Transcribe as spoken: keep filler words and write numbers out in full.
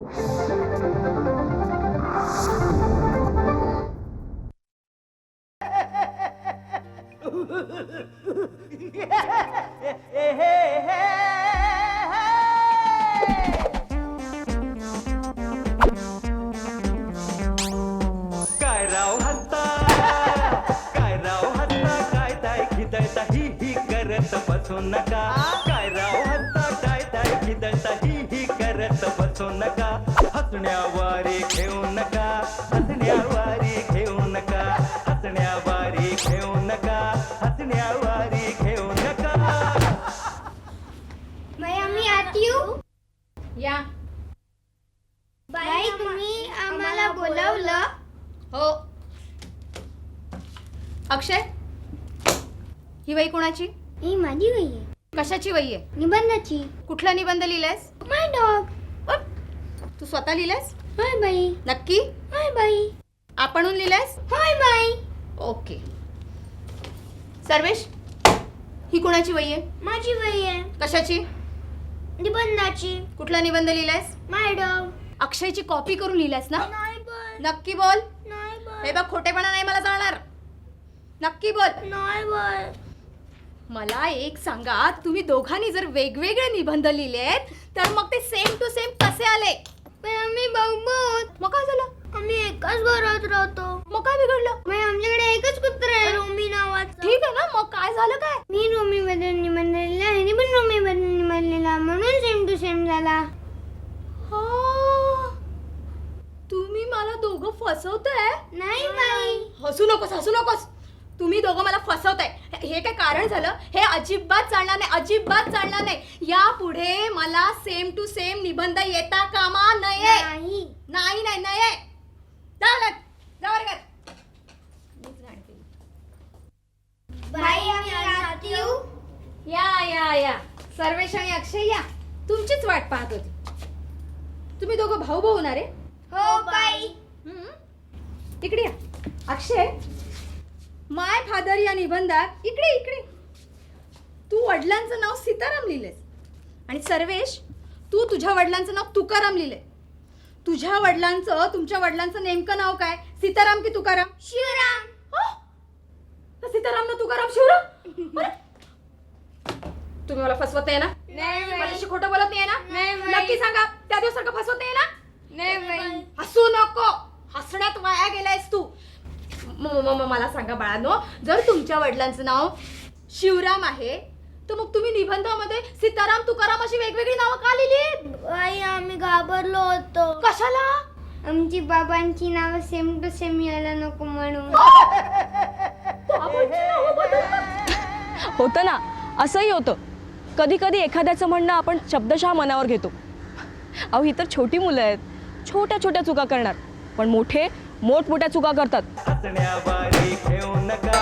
काय राव हत्ता काय राव हत्ता काय ताय खिदळता ही ही करत बसू नका काय राव हत्ता काय ताय खिदळता ही ही करत बसू नका हसण्यावारे घेऊ नका हसण्यावारे घेऊ नका हसण्यावारे घेऊ नका हसण्यावारे घेऊ नका मैं आम्ही आत येऊ. या. बाई तुम्ही आम्हाला बोलावलं. हो. अक्षय, ही वही कोणाची? ही माझी वही आहे. कशाची वही आहे? निबंधाची. कुठला निबंध लिहिलायस? माय डॉग. तू स्वतः लिहिलायस? हाय बाई. नक्की? हाय बाई. आपणहून लिहिलायस? हाय बाई. ओके. सर्वेश, ही कोणाची वही आहे? माझी वही आहे. कशाची? निबंधाची. कुठला निबंध लिहिलायस? माय डॉग. अक्षयची कॉपी करून लिहिलायस ना? नाही बाई. नक्की बोल. नाही बाई. हे बघ, खोटेपणा नाही मला चालणार. नक्की बोल. नाही बाई. मला एक सांगा, तुम्ही दोघांनी जर वेगवेगळे निबंध लिहिलेत तर मग ते सेम टू सेम कसे आले? पण आम्ही भाऊ भाऊ. मग काय झालं? आम्ही एकाच घरात राहतो. मग काय बिघडलं? मग आमच्याकडे एकच कुत्रा आहे रोमी नावाचा. ठीक आहे ना, मग काय झालं काय? मी रोमी बद्दल निबंध लिहिला, ह्याने पण रोमी बद्दल निबंध लिहिला, म्हणून सेम टू सेम झाला. हा, तुम्ही मला दोघं फसवताय. नाही बाई. हसू नकोस, हसू नकोस. तुम्ही दोघं मला फसवताय. हे काय कारण झालं? हे अजिबात चालणार नाही, अजिबात चालणार नाही. यापुढे मला सेम टू सेम निबंध येता कामा नये. नाही. नाही नाही नये. जा वर्गात, जा वर्गात. बाई आम्ही आत येऊ. या या या सर्वेश आणि अक्षय या. तुमचीच वाट पाहत होती. तुम्ही दोघं भाऊ भाऊ होणार आहे? हो बाई. हम्म. इकडे या. अक्षय, माय फादर या निबंधात इकडे इकडे तू वडिलांचं नाव सीताराम लिहिलेस आणि सर्वेश, तू तुझ्या वडिलांचं नाव तुकाराम लिहिले. तुझ्या वडिलांचं तुमच्या वडिलांचं नेमकं नाव काय? सीताराम की तुकाराम? शिवराम. हं? तर सीताराम ना तुकाराम शिवराम? अरे, तुम्ही मला फसवत आहे ना? नाही बाई. माझ्याशी खोटं बोलत नाही ना? नाही बाई. नक्की सांगा, त्या दिवसारखं फसवत नाही ना? नाही बाई. हसू नको. हसण्यात वाया गेलायस तू. म- म- म- मला सांगा बाळांनो, जर तुमच्या वडिलांचं नाव शिवराम आहे तर मग तुम्ही निबंधामध्ये सीताराम तुकाराम अशी वेगवेगळी नावं का लिहिली? बाई आम्ही घाबरलो होतो. कशाला? आमची बाबांची नावं सेम टू सेम यायला नको म्हणून. बाबांची नावं बदलतात? होतं ना, असंही होतं. कधी कधी एखाद्याचं म्हणणं आपण शब्दशः मनावर घेतो. अहो, ही तर छोटी मुलं आहेत, छोट्या छोट्या चुका करणार, पण मोठे मोठमोठ्या चुका करतात. हसण्यावारे घेऊ नका